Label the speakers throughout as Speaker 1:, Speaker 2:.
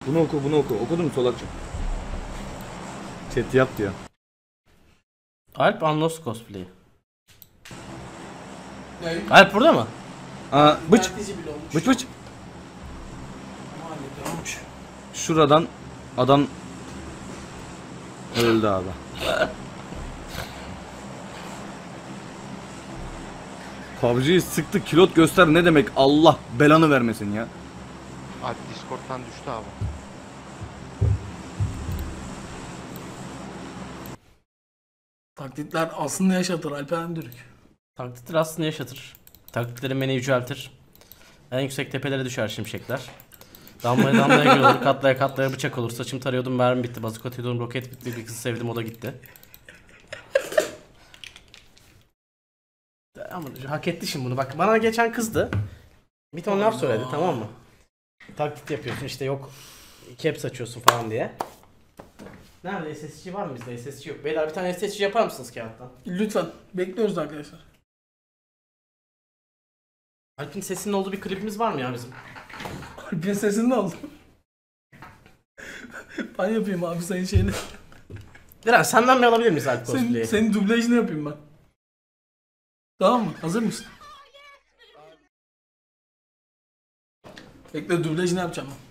Speaker 1: Bunu oku, bunu oku. Okudun mu Solakçım? Chat yap diyor.
Speaker 2: Alp Unlost cosplay. Alp burada mı?
Speaker 1: Aa, bıç. Bıç bıç. Şuradan adam öldü abi. PUBG'yi sıktı, kilot göster ne demek, Allah belanı vermesin ya.
Speaker 3: Alp Discord'dan düştü abi.
Speaker 4: Taklitler aslında yaşatır Alperen Dürük.
Speaker 2: Taklitler aslında yaşatır. Taklitlerin beni yüceltir. En yüksek tepelere düşer şimşekler. Damlaya damlaya gül olur, katlaya katlaya bıçak olur. Saçım tarıyordum, mermi bitti. Bazuk atıyordum, roket bitti. Bir kızı sevdim, o da gitti. Ama hak etti şimdi bunu. Bak bana geçen kızdı. Bir ton laf söyledi, tamam mı? Taklit yapıyorsun işte, yok caps açıyorsun falan diye. Nerede SSC var mı bizde? SSC yok. Beyler bir tane SSC yapar mısınız kağıttan?
Speaker 4: Lütfen. Bekliyoruz arkadaşlar.
Speaker 2: Alp'in sesinin olduğu bir klibimiz var mı ya bizim?
Speaker 4: Alp'in sesini de aldım. Ben yapayım abi senin şeyini.
Speaker 2: Diren senden mi alabilir miyiz Alp cosplay'i?
Speaker 4: Senin dublajını yapayım ben. Tamam mı? Hazır mısın? Bekle, dublajını yapacağım ben.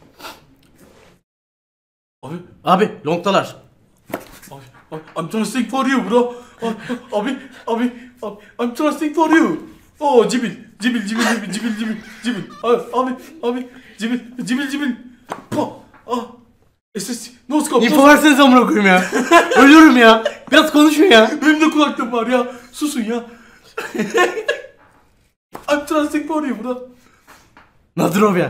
Speaker 2: Abi longtalar.
Speaker 4: Abi, I'm trusting for you bro. Abi, I'm trusting for you. Oh, cibil. Abi, cibil. Po. Ah. SS, no scope.
Speaker 2: İnfo versenize amına koyayım ya. Ölüyorum ya. Biraz konuşun ya.
Speaker 4: Benim de kulaklığım var ya. Susun ya. I'm trusting for you bro.
Speaker 2: Nazdrovya.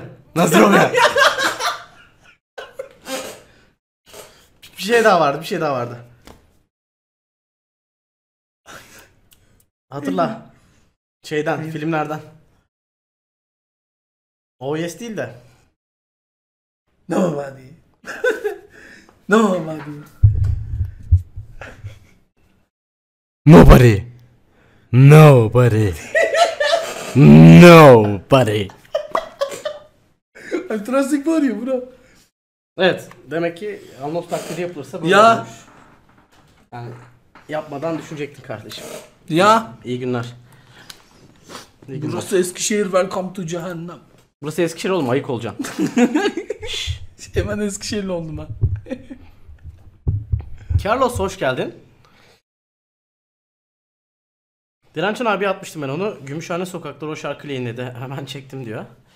Speaker 2: Bir şey daha vardı. Hatırla. Şeyden, filmlerden. OS değil de.
Speaker 4: Nobody.
Speaker 2: Nobody.
Speaker 4: I'm trusting for you bro.
Speaker 2: Evet, demek ki Alnos taklidi yapılırsa böyle
Speaker 4: Ya.
Speaker 2: olmuş. Yani yapmadan düşünecektin kardeşim.
Speaker 4: Ya.
Speaker 2: İyi günler.
Speaker 4: Burası Eskişehir, welcome to cehennem.
Speaker 2: Burası Eskişehir oğlum, ayık olacaksın.
Speaker 4: Hemen Eskişehirli oldum ben.
Speaker 2: Carlos hoş geldin. Dirençen abi atmıştım ben onu. Gümüşhane Sokakları o şarkıyla yayınladı. Hemen çektim diyor.